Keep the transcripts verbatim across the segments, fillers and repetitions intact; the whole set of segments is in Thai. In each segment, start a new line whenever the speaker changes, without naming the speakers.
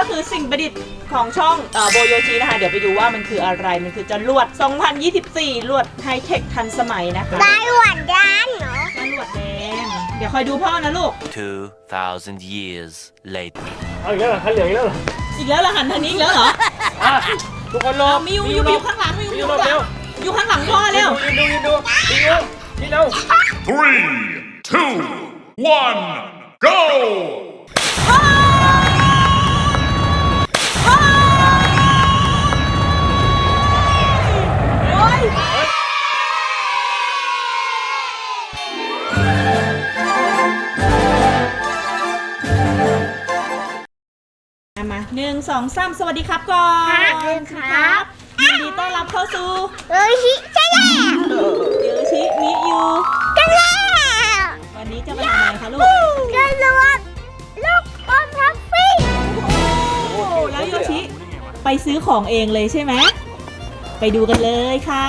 คือสิ่งประดิษฐ์ของช่องโบโยชินะคะเดี๋ยวไปดูว่ามันคืออะไรมันคือจรวดสองพันยี่สิบสี่ลวดไฮเทคทันสมัยนะคะ
ได้หวานด้านเหรอ
จรวดแดงเดี๋ยวคอยดูพ่อนะลูก
two thousand years later
เอาอีกแล้วเหรอคันเหลืองอีกแล้วเหรอ
อีกแล้วเหรอหันทางนี้อีกแล้วเหรอ
อ่ะทุกคนรอ
มิวมิวอยู่ข้างหลังมิวอยู่ข้างหลังอยู่ข้างหลังพ่อเร็ว
ยืนดูยืนดูยืนดูยืนเร็ว
Three, two, one, go!
โอ้ยมาหนึ่งสองสามสวัสดีครับก่อน
ครับ
ยินดีต้อนรับเข้าสู่
เอ้ยชิใช่แล้ว
เยอชิมิยู
กันแล้ว
วันนี้จะมาทำอะไรคะลูก
กันรวดลูกอมทัฟฟี่
โอ้แล้วโยชิไปซื้อของเองเลยใช่ไหมไปดูกันเลยค่ะ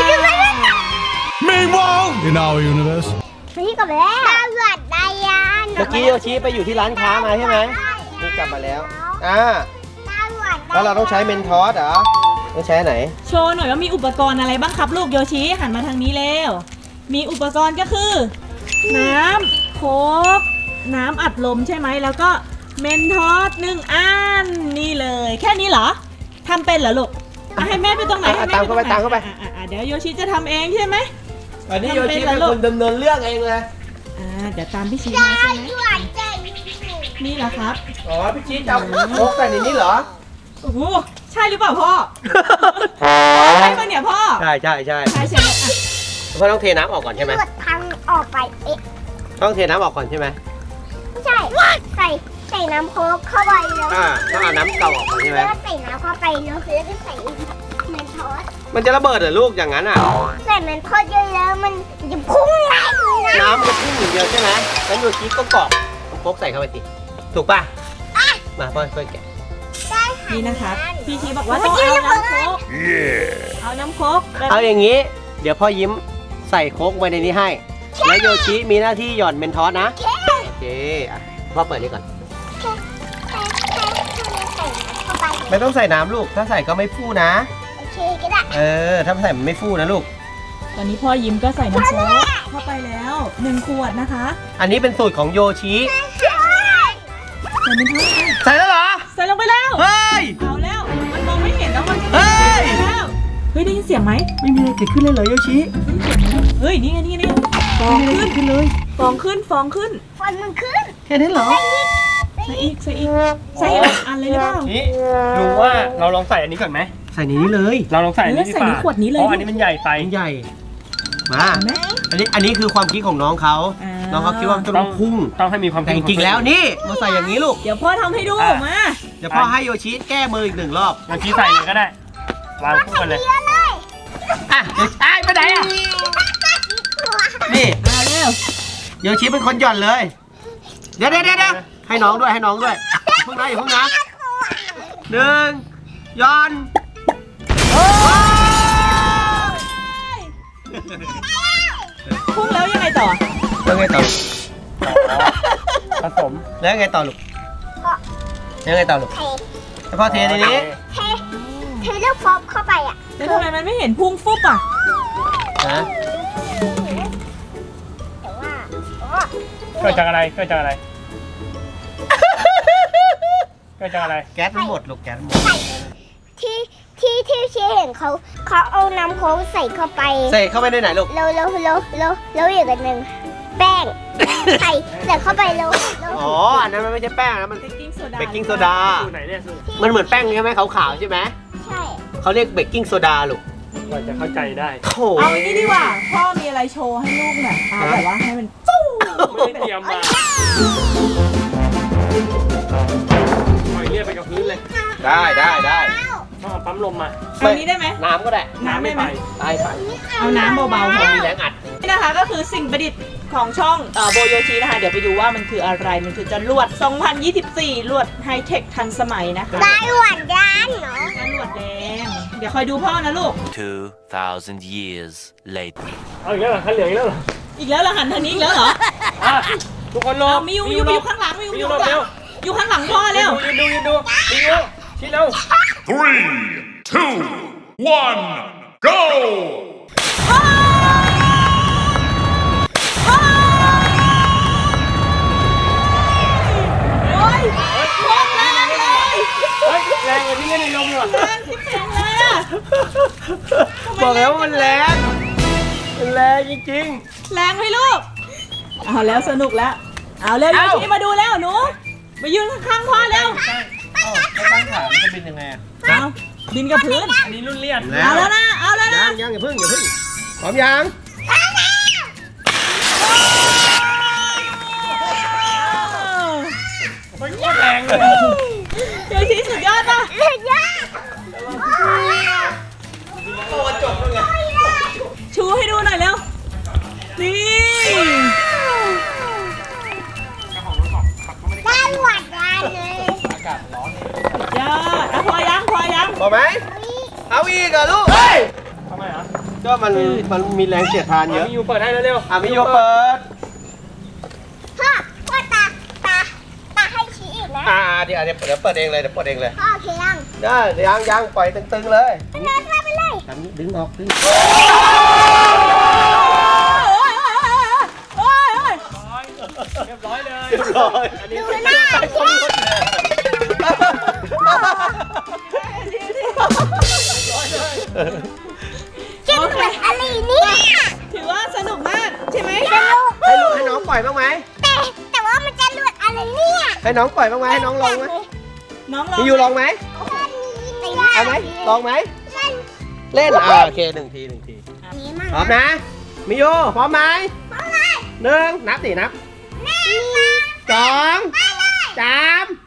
Meanwhile, in our universe.
พี่กลับแล้วตำรวจไดยาน
เมื่อกี้โยชิไปอยู่ที่ร้านค้ามาใช่ไหมนี่กลับมาแล้วอ่า
ตำรวจ
แล้วเราต้องใช้เมนทอสเหรอต้องใช้ไหน
โชว์หน่อยว่ามีอุปกรณ์อะไรบ้างครับลูกโยชิหันมาทางนี้เร็วมีอุปกรณ์ก็คือ น้ำโค้กน้ำอัดลมใช่ไหมแล้วก็เมนทอสหนึ่งอันนี่เลยแค่นี้เหรอทำเป็นเหรอลูกอ่ะให้แม่ไปตรงไหนให้แม่
ตามเข้าไปตามเข้าไป
อ่ะอ่ะอ่ะเดี๋ยวโยชิจะทำเองใช่ไหม
อันนี้โยชิเป็นคนดำเนินเรื่องเองเลย
อ่าเดี๋ยวตามพี่ชีมาใช่ไหม
ตำรวจใจ
นี่เหรอครับ
อ๋อพี่ชี้จะเอาโค้กใส่ในนี้เหรอ
โอ้โหใช่หรือเปล่าพ่อ ใช่ปะเนี่ยพ่อ
ใช่ใช่ใช่
ใช่ใช่ไหมอ่ะ
พ่อต้องเทน้ำออกก่อนใช่ไหม
ตำรวจพังออกไปเอ๊ะ
ต้องเทน้ำออกก่อนใช่ไหม
ไม่ใช่ใส่ใส่น้ำโค้กเข้าไปแล้ว
อ่าต้องเอาน้ำเก่าออกก่อนใช่ไหม
แล้วก็ใส่น้ำเข้าไปแล้วแล้วก็ใส่เมนทอส
มันจะระเบิดเหรอลูกอย่างนั้นอ่ะ
ใส่เมนทอสเยอะแล้วมันจะพุ่งแรงเลยนะ
น้ำมันพุ่งอย่างเดียวใช่ไหมแล้วโยชิก็กรอกโค้กใส่เข้าไปสิถูกป่ะมาพ่อช่วยแกะ
ได้ค่ะ
นี่นะคะพี่ชีบอกว่าต้องเอาน้ำโค้ก
Yeah.
เอาน้ำโค้กแบบ
เอาอย่างนี้ เดี๋ยวพ่อยิ้มใส่โค้กไว้ในนี้ให้ แล้วโยชิมีหน้าที่หย่อนเมนทอสนะ โอเคอ่ะพ่อเปิดนี่ก่อน
แค่แค่แค่แค่ใส่น้ำเข้าไป
ไม่ต้องใส่น้ำลูก ถ้าใส่ก็ไม่ฟูนะ
โอเคก็ได้
เออ ถ้าใส่มันไม่ฟูนะลูก
ตอนนี้พ่อยิ้มก็ใส่น้ำโค้กเข้าไปแล้วหนึ่งขวดนะคะ
อันนี้เป็นสูตรของโยชิ
ใส่เป็นเท่าไหร่
ใส่แล้วเหรอ
ใส่ลงไปแล้ว
เฮ้ย
เอาแล้วมันมองไม่เห็นแล้วมันจะ
เฮ้ย
แล้วเฮ้ยได้ยินเสียงไหม
ไม่มีอะไรเกิดขึ้นเลยเหรอโยชิ
เฮ้ยนี่ไงนี่ไงนี่ไงฟองขึ้น
ขึ้นเลย
ฟองขึ้นฟองขึ้น
ฟันมันขึ้น
แค่นั้นเหรอ
ใส่อีกใส่อีกใส่อีกอันเลยหรือเปล่า
นี่ลุงว่าเราลองใส่อันนี้ก่อนไหม
ใส่ในนี้เลย
เราลองใส่อันนี้ดีกว่า
เออใส่ในขวดนี้เลย
เพราะอันนี้มันใหญ่ไป
อันใหญ่ มา
เห็นไหม
อันนี้ อันนี้คือความคิดของน้องเขา
อ่า
น้องเขาคิดว่ามันจะต้องพุ่ง
ต้องให้มีความ
แต่จริงๆแล้วนี่ มาใส่อย่างนี้ลูก
เดี๋ยวพ่อทำให้ดูมา
เดี๋ยวพ่อให้โยชิแก้มืออีกหนึ่งรอบ
เราชี้ใส่เลยก็ได้วางคู่กันเลย
เยอะเลย
อ่ะเดี๋ยวไอ้ไปไหนอ่ะ นี่
เอาเร็ว
โยชิเป็นคนหย่อนเลย เดี๋ยวเดี๋ยวเดี๋ยวให้น้องด้วยให้น้องด้วยอย่าเพิ่งนะอย่าเพิ่งนะหนึ่งหย่อน
พุ่งแล้วยังไงต่อ
แล้วไงต่อ
ผสม
แล้วไงต่อลูกแล้วไงต่อลูก
เท
ให้พ่อเทในนี้
เทเทลูกฟอบเข้าไปอ่ะ
แล้วทำไมมันไม่เห็นพุ่งฟุบอ่ะ
นะ
แต่ว่าอ๋อ
เกิดจากอะไรเกิดจากอะไรเกิดจากอะไร
แก๊สมันหมดลูกแก๊สมันหมด
ใส่ที่ที่ที่เชเห็นเขาเขาเอาน้ำโค้กใส่เข้าไป
ใส่เข้าไปในไหนลูก
แล้วแล้วแล้วแล้วแล้วอีกอันหนึ่งแป้ง ใส่ใส่เข้าไปแล้วแล้ว
อ๋ออันนั้นมันไม่ใช่แป้งนะมัน
เบกกิ้งโซดา
เบกกิ้งโซดา
สูตรไหนเนี่ยสูตร
มันเหมือนแป้งใช่ไหมขาวๆใช่ไหม
ใช่
เขาเรียกเบกกิ้งโซดาลูก
กว่าจะเข้าใจได้
โถ
เอาอันนี้ดีกว่า พ่อมีอะไรโชว์ให้ลูกหน่อยเอาแบบว่าให้มันฟู้
ไม่ได้เตรียมมาปล่อยเรียบไปกับพื้นเลย
ได้ได้ได้
ต้องเอาปั๊มลมมา
เอานี้ได้ไหม
น้ำก็ได้
น้ำได้ไหม
ได้ไป
เอาน้ำเบาๆพอ
มีแรงอัด
นี่นะคะก็คือสิ่งประดิษฐ์ของช่องโบโยชินะคะ เดี๋ยวไปดูว่ามันคืออะไรมันคือจรวดสองพันยี่สิบสี่ลวดไฮเทคทันสมัยนะคะ
ได้หวานด้านเหรอ
จรวดแดงเดี๋ยวคอยดูพ่อนะลูก
two thousand years later
เอาอีกแล้วเหรอคันเหลืองอีกแล้วเหรอ
อีกแล้วเหรอหันทางนี้อีกแล้วเหรอ
อ่ะทุกคนรอ
เอามิวมิวอยู่ข้างหลังมิว
มิ
อยู่
วรอ
ข้างหลั
เร็
ง
ว
อยู่ข้างหลังพ่อเร็ว
ยืนดูยืนดูยืนดูชี้เร็ว
Three, two, one, go!
โอ้ยโคตรแรงเลย
เฮ้ยแรงกว่าที่เล่นในลมเลยว่ะ
แรงที่แข็งเลยอะ
บอกแล้วว่ามันแรงมันแรงจริง
แรงไหมลูกเอาแล้วสนุกแล้ว เอาเร็วโยชิมาดูแล้วหนูมายืนข้างๆพ่อเร็ว
ๆตั้งขามันจะบินยังไงอะ
เอาบินกับพื้น
อันนี้รุ่นเลียน
เอาแล้วนะ เอาแล้วนะ
ยังยังอย่าเพิ่งอย่าเพิ่งพร้อมยัง
มันโคตรแรงเลย
โยชิสุดยอดป่ะ
สุดยอด
โตจบแล้วไง
ชูให้ดูหน่อยเร็ว นี่
ได้หวัดร้านเลย
สุดยอดอ่ะพอยังพอยัง
พอไหมเอาอีกเหรอลูกเฮ้ย
ทำไมอ่ะ
ก็มันมันมีแรงเสียดทานเยอะ
มีอยู่เปิดให้แล้วเร็ว
อ่ะมิโยเปิด
พ่อพ่อตาตาตาให้ชี้อีกนะ
อ่าเดี๋ยวเดี๋ยวเดี๋ยวเปิดเองเลยเดี๋ยวเปิดเองเลย
พ่อโอเคยัง
ได้เดี๋ยวยังยังปล่อยตึงๆเลย
ไปเลยพ่อไปเลย
ทำนี้ดึงออกดึง
โอ้ยโอ้ยโอ้ย
เรียบร้อยเลย
เรียบร้อย
อันนี้
ดูหน้าพ่อ กินเหมือนอะไรเนี่ย
ถือว่าสนุกมากใช่ไหม
ให้ลูกให้น้องปล่อยบ้างไหม
แต่แต่ว่ามันจะหลุดอะไรเนี่ย
ให้น้องปล่อยบ้างไหมให้น้องลองไหม
น้องลอง
มิยูลองไหม
ไม่ได้
เอาไหมลองไหม
เล่น
เล่นอ่าโอเคหนึ่งทีหนึ่งที
นี้มาก
พร้อมนะมิยูพร้อมไหม
พร้อมเลย
หนึ่งนับสินับ
หนึ่ง
สองสาม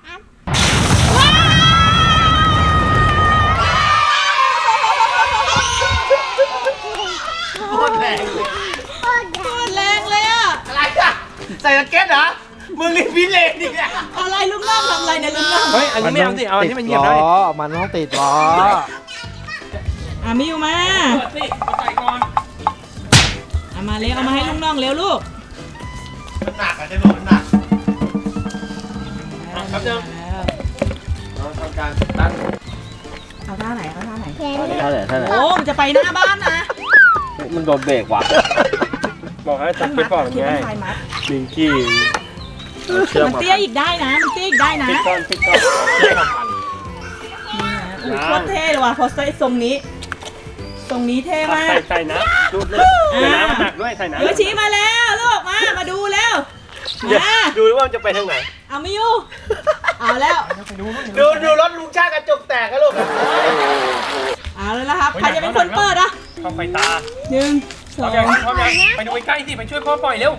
โคตรแรงเลย
โคตร
โคตรแรงเลยอะ
อะไรอ่ะใส่สเก็ตเหรอมึงนี่พิเรนอีกแล้ว
อะไรลูกน้องทำอะไรเนี่ยลูกน้อง
เฮ้ยอันนี้ไม่เอาสิเอาอันที่มันเหยียบได้
มันต้องติดล้อ
อ่ะมิวมา
เปิดสิเอาใส่ก่อน
เอามาเร็วเอามาให้ลูกน้องเร็วลูก
มันหนักอ่ะจะรู้มันหนัก
ครับเดิม
เราทำการตั้ง
เอาท่าไหนเอาท่าไหน
แข็ง
ท่าไหนท่าไหน
โอ้มันจะไปหน้าบ้านนะ
มันโดนเบรกว่ะ
บอกให้จับไปก่อน
คิด
ไง
เป็นไฟมัด
ลิงกี้เชือก
มัน
มา
เตี้ยอีกได้นะมันเตี้ยอีกได้นะ
ปิดก่อนปิดก่อนเชือกมาพัน
นี่นะอุ๊ยโคตรเท่เลยว่ะพอใส่ทรงนี้ทรงนี้เท่มาก
ใส่ใส่น้ำดูดเลยเดี๋ยวน้ำมันหนักด้วยใส่น้ำ
โยชิมาแล้วลูกมามาดูแล้วมา
ดูว่ามันจะไปทางไหน
เอามิวเอาแล้ว
ดูดูรถลุงชาติกระจกแตกกันลูก
เอาแล้วนะครับใครจะเป็นคนเปิดอ่ะ
เข้าไฟตา
หนึ่งส
พ
อ
ร้อง มยังพร้อมยังไปดูใกล้ๆสิไปช่วยพ่อปล่อยเร็ว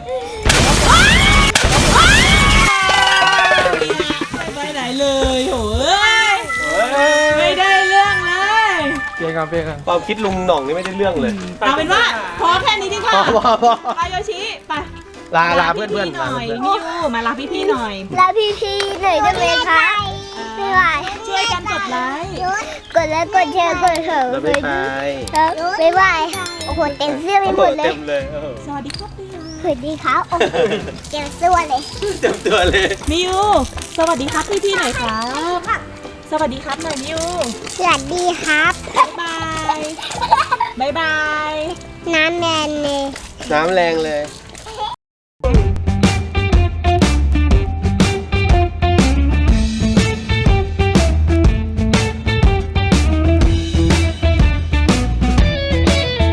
ไปไหนเลยโหยไม่ได้เรื่องเลย
เพียงกันเพียงกัน
ความคิดลุงหน่องนี่ไม่ได้เรื่องเลย
เอาเป็นว่าพอแค่นี้ดีกว่า
พอพอพอ
ไปโยชิไป
ลาลาเพื่อนเพื่อน
หน่อยมิวมาลาพี่ๆหน่อย
แล้วพี่พี่ๆหน่อยได้ไหมคะไม่ไหว
ช่วยกันกดไลค์
กดไลค์กดแชร์กดเถอะ
แล้วไม่ไป
ครับบ๊ายบายโอ้โหเต็มเสื้อไปหมดเลย
เต็มเลยเออ
สวัสดีครับพี่
สวัสดีครับโอ้โหเต็มเสื้อเลย
เต็มตัวเลย
มิวสวัสดีครับพี่ๆหน่อยครับ สวัสดีครับหน่อยมิว
สวัสดีครับ
บ๊ายบายบ๊ายบาย
น้ำแมนเลย
น้ำแรงเลย